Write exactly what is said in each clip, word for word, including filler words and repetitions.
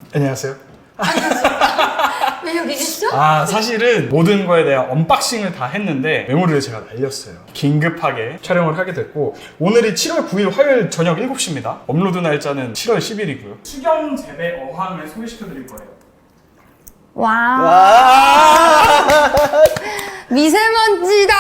안녕하세요. 왜 여기 계시죠? 아 사실은 모든 거에 대한 언박싱을 다 했는데 메모리를 제가 날렸어요. 긴급하게 촬영을 하게 됐고 오늘이 칠월 구일 화요일 저녁 일곱 시입니다. 업로드 날짜는 칠월 십일이고요. 수경 재배 어항을 소개시켜드릴 거예요. 와. 와, 미세먼지다.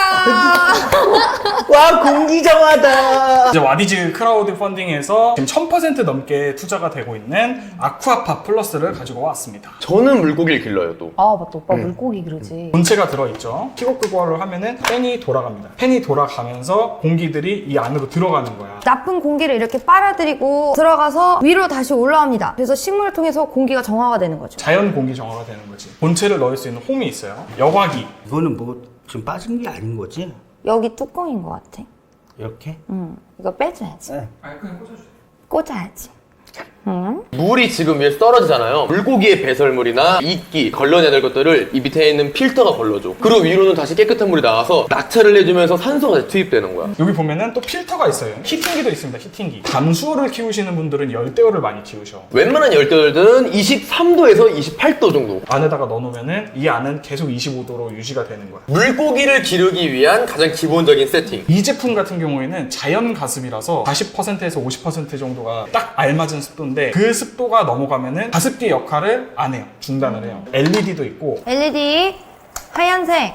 와 공기정화다. 이제 와디즈 크라우드 펀딩에서 지금 천 퍼센트 넘게 투자가 되고 있는 아쿠아파 플러스를 가지고 왔습니다. 저는 물고기를 길러요 또. 아 맞다 오빠 물고기 그러지. 본체가 들어있죠. 킥업 그거를 하면은 팬이 돌아갑니다. 팬이 돌아가면서 공기들이 이 안으로 들어가는 거야. 나쁜 공기를 이렇게 빨아들이고 들어가서 위로 다시 올라옵니다. 그래서 식물을 통해서 공기가 정화가 되는 거죠. 자연 공기 정화가 되는 거지. 본체를 넣을 수 있는 홈이 있어요. 여과기. 이거는 뭐 지금 빠진 게 아닌 거지? 여기 뚜껑인 것 같아. 이렇게? 응. 이거 빼줘야지. 네. 아니 그냥 꽂아주세요. 꽂아야지. 응? 물이 지금 위에서 떨어지잖아요. 물고기의 배설물이나 이끼, 걸러내야 될 것들을 이 밑에 있는 필터가 걸러줘. 그리고 위로는 다시 깨끗한 물이 나와서 낙차를 해주면서 산소가 투입되는 거야. 여기 보면은 또 필터가 있어요. 히팅기도 있습니다. 히팅기. 담수어를 키우시는 분들은 열대어를 많이 키우셔. 웬만한 열대어들은 이십삼 도에서 이십팔 도 정도. 안에다가 넣어놓으면은 이 안은 계속 이십오 도로 유지가 되는 거야. 물고기를 기르기 위한 가장 기본적인 세팅. 이 제품 같은 경우에는 자연 가습이라서 사십 퍼센트에서 오십 퍼센트 정도가 딱 알맞은 습도인데 그 습도가 넘어가면은 가습기 역할을 안 해요. 중단을 해요. 엘이디도 있고 엘이디 하얀색,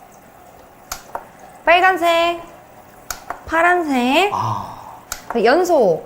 빨간색, 파란색, 그 연소,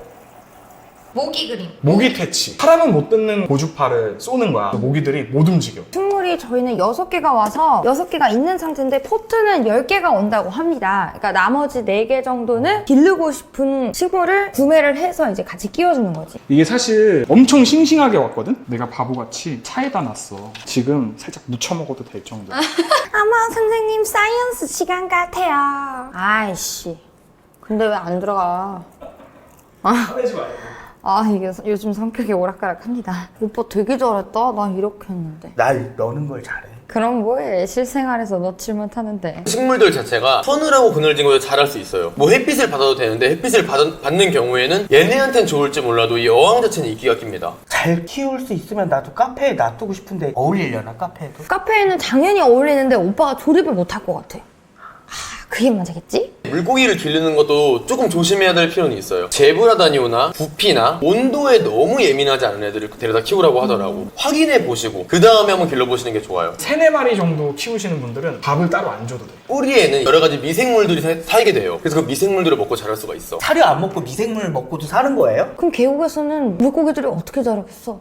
모기 그림. 모기 퇴치. 사람은 못 듣는 고주파를 쏘는 거야. 모기들이 못 움직여. 식물이 저희는 여섯 개가 와서 여섯 개가 있는 상태인데 포트는 열 개가 온다고 합니다. 그러니까 나머지 네 개 정도는 기르고 싶은 식물을 구매를 해서 이제 같이 끼워주는 거지. 이게 사실 엄청 싱싱하게 왔거든? 내가 바보같이 차에다 놨어. 지금 살짝 무쳐 먹어도 될 정도야. 아마 선생님 사이언스 시간 같아요. 아이씨. 근데 왜 안 들어가? 화내지 말고. 아 이게 요즘 성격이 오락가락합니다. 오빠 되게 잘했다. 난 이렇게 했는데. 날 넣는 걸 잘해. 그럼 뭐해? 실생활에서 넣질 못하는데. 식물들 자체가 서늘하고 그늘진 곳에 자랄 수 있어요. 뭐 햇빛을 받아도 되는데 햇빛을 받, 받는 경우에는 얘네한텐 좋을지 몰라도 이 어항 자체는 이끼가 낍니다. 잘 키울 수 있으면 나도 카페에 놔두고 싶은데 어울리려나 카페에도? 카페에는 당연히 어울리는데 오빠가 조립을 못할 것 같아. 아, 그게 문제겠지? 물고기를 기르는 것도 조금 조심해야 될 필요는 있어요. 제브라다니오나 부피나 온도에 너무 예민하지 않은 애들을 데려다 키우라고 하더라고. 확인해 보시고 그 다음에 한번 길러보시는 게 좋아요. 세네 마리 정도 키우시는 분들은 밥을 따로 안 줘도 돼. 뿌리에는 여러 가지 미생물들이 사- 살게 돼요. 그래서 그 미생물들을 먹고 자랄 수가 있어. 사료 안 먹고 미생물 먹고도 사는 거예요? 그럼 계곡에서는 물고기들이 어떻게 자라겠어?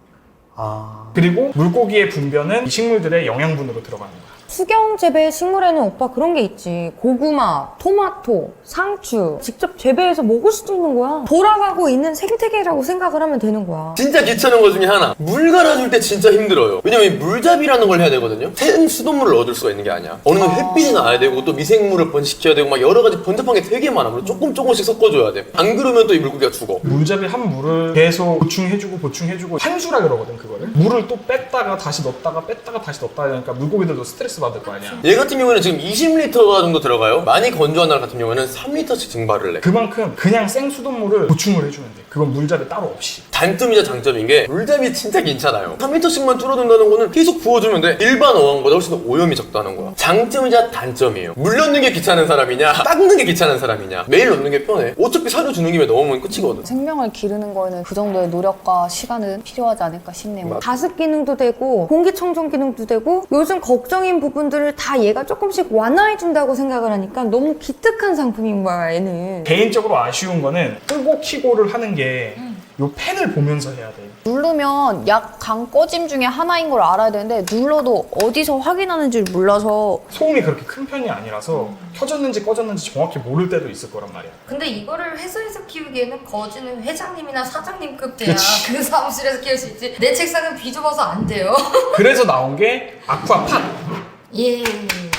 아, 그리고 물고기의 분변은 이 식물들의 영양분으로 들어가는 거야. 수경 재배 식물에는 오빠 그런 게 있지. 고구마, 토마토, 상추 직접 재배해서 먹을 수도 있는 거야. 돌아가고 있는 생태계라고 생각을 하면 되는 거야. 진짜 귀찮은 것 중에 하나. 물 갈아줄 때 진짜 힘들어요. 왜냐면 이 물잡이라는 걸 해야 되거든요. 생 수돗물을 얻을 수가 있는 게 아니야. 어느 정도 햇빛이 나야 되고 또 미생물을 번식시켜야 되고 막 여러 가지 번잡한 게 되게 많아. 그래서 조금 조금씩 섞어줘야 돼. 안 그러면 또 이 물고기가 죽어. 물잡이 한 물을 계속 보충해주고 보충해주고 한수라 그러거든 그거를. 물을 또 뺐다가 다시 넣었다가 뺐다가 다시 넣었다 하니까 물고기들도 스트레스 받을 거 아니야. 얘 같은 경우에는 지금 이십 리터 정도 들어가요. 많이 건조한 날 같은 경우에는 삼 리터씩 증발을 해. 그만큼 그냥 생 수돗물을 보충을 해주면 돼. 그건 물잡이 따로 없이. 단점이자 장점인 게 물잡이 진짜 괜찮아요. 삼 리터씩만 줄어든다는 거는 계속 부어주면 돼. 일반 어항보다 훨씬 더 오염이 적다는 거야. 장점이자 단점이에요. 물 넣는 게 귀찮은 사람이냐 닦는 게 귀찮은 사람이냐. 매일 넣는 게 편해. 어차피 사료 주는 김에 넣으면 끝이거든. 생명을 기르는 거에는 그 정도의 노력과 시간은 필요하지 않을까 싶네요. 가습 기능도 되고 공기청정 기능도 되고 요즘 걱정인 부분들을 다 얘가 조금씩 완화해준다고 생각을 하니까 너무 기특한 상품인 거야 얘는. 개인적으로 아쉬운 거는 끄고 키고를 하는 게 요 펜을 보면서 해야 돼. 누르면 약 강 꺼짐 중에 하나인 걸 알아야 되는데 눌러도 어디서 확인하는지를 몰라서 소음이 그렇게 큰 편이 아니라서 켜졌는지 꺼졌는지 정확히 모를 때도 있을 거란 말이야. 근데 이거를 회사에서 키우기에는 거지는 회장님이나 사장님급 돼야 그치. 그 사무실에서 키울 수 있지. 내 책상은 비좁아서 안 돼요. 그래서 나온 게 아쿠아팟. 예.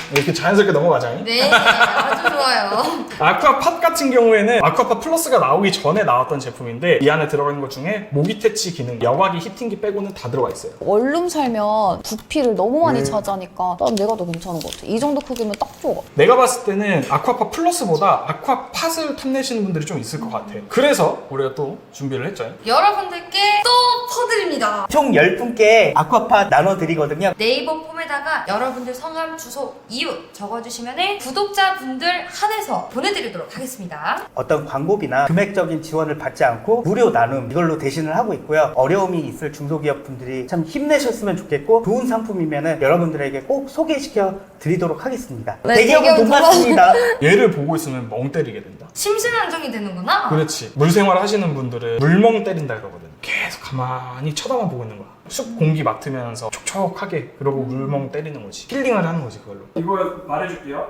이렇게 자연스럽게 넘어가자. 네, 아주 좋아요. 아쿠아팟 같은 경우에는 아쿠아팟 플러스가 나오기 전에 나왔던 제품인데 이 안에 들어가 있는 것 중에 모기 퇴치 기능, 여과기, 히팅기 빼고는 다 들어가 있어요. 원룸 살면 부피를 너무 많이 음. 차지하니까 난 내가 더 괜찮은 것 같아. 이 정도 크기면 딱 좋아. 내가 봤을 때는 아쿠아팟 플러스보다 아쿠아팟을 탐내시는 분들이 좀 있을 것 같아. 그래서 우리가 또 준비를 했죠. 여러분들께 또 퍼드립니다. 총 열 분께 아쿠아팟 나눠드리거든요. 네이버 폼에다가 여러분들 성함, 주소, 이웃 적어주시면 구독자분들 한해서 보내드리도록 하겠습니다. 어떤 광고비나 금액적인 지원을 받지 않고 무료 나눔 이걸로 대신을 하고 있고요. 어려움이 있을 중소기업 분들이 참 힘내셨으면 좋겠고 좋은 상품이면 여러분들에게 꼭 소개시켜 드리도록 하겠습니다. 네, 대기업은 대기업은 돈 돈 받습니다. 얘를 보고 있으면 멍 때리게 된다. 심신안정이 되는구나. 그렇지. 물생활 하시는 분들은 물멍 때린다 그러거든. 계속 가만히 쳐다만 보고 있는 거야. 숲 공기 맡으면서 촉촉하게 그러고 물멍 때리는 거지. 힐링을 하는 거지 그걸로. 이거 말해줄게요.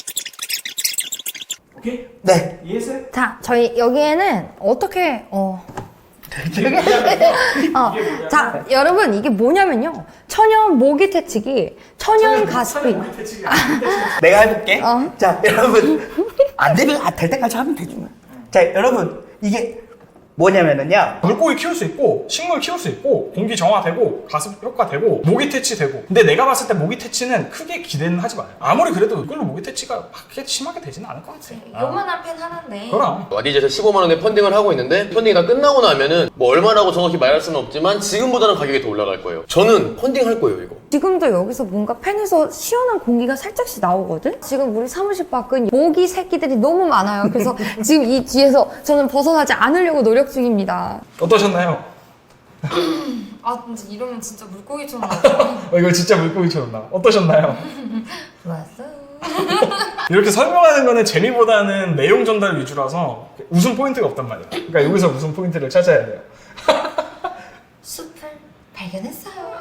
오케이? 네. 이해했어요? 자, 저희 여기에는 어떻게 어. 어, 자, 여러분 이게 뭐냐면요. 천연 모기 퇴치기, 천연 가습기. 내가 해볼게. 어. 자, 여러분. 안 되면 아, 될 때까지 하면 되지. 자, 여러분. 이게 뭐냐면은요. 물고기 키울 수 있고 식물 키울 수 있고 공기 정화되고 가습 효과 되고 모기 퇴치 되고. 근데 내가 봤을 때 모기 퇴치는 크게 기대는 하지 마요. 아무리 그래도 이걸로 모기 퇴치가 크게 심하게 되지는 않을 것 같아. 아, 요만한 펜 하나인데. 그럼. 와디즈에서 십오만 원에 펀딩을 하고 있는데 펀딩이 다 끝나고 나면은 뭐 얼마라고 정확히 말할 수는 없지만 지금보다는 가격이 더 올라갈 거예요. 저는 펀딩 할 거예요 이거. 지금도 여기서 뭔가 펜에서 시원한 공기가 살짝씩 나오거든? 지금 우리 사무실 밖은 모기 새끼들이 너무 많아요. 그래서 지금 이 뒤에서 저는 벗어나지 않으려고 노력 중입니다. 어떠셨나요? 아, 진짜 이러면 진짜 물고기처럼 나죠. 어, 이거 진짜 물고기처럼 나. 어떠셨나요? 좋았어. 이렇게 설명하는 거는 재미보다는 내용 전달 위주라서 웃음 포인트가 없단 말이야. 그러니까 여기서 웃음 포인트를 찾아야 돼요. 숲을 발견했어요.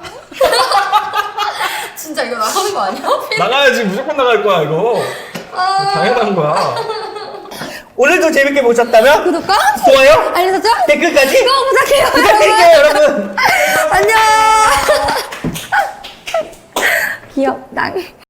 진짜 이거 나가는 거 아니야? 나가야지. 무조건 나갈 거야 이거. 당연한 거야. 오늘도 재밌게 보셨다면 구독과 좋아요, 알림 설정 댓글까지 꼭 부탁해요. 부탁드릴게요, 여러분. 안녕. 귀엽다.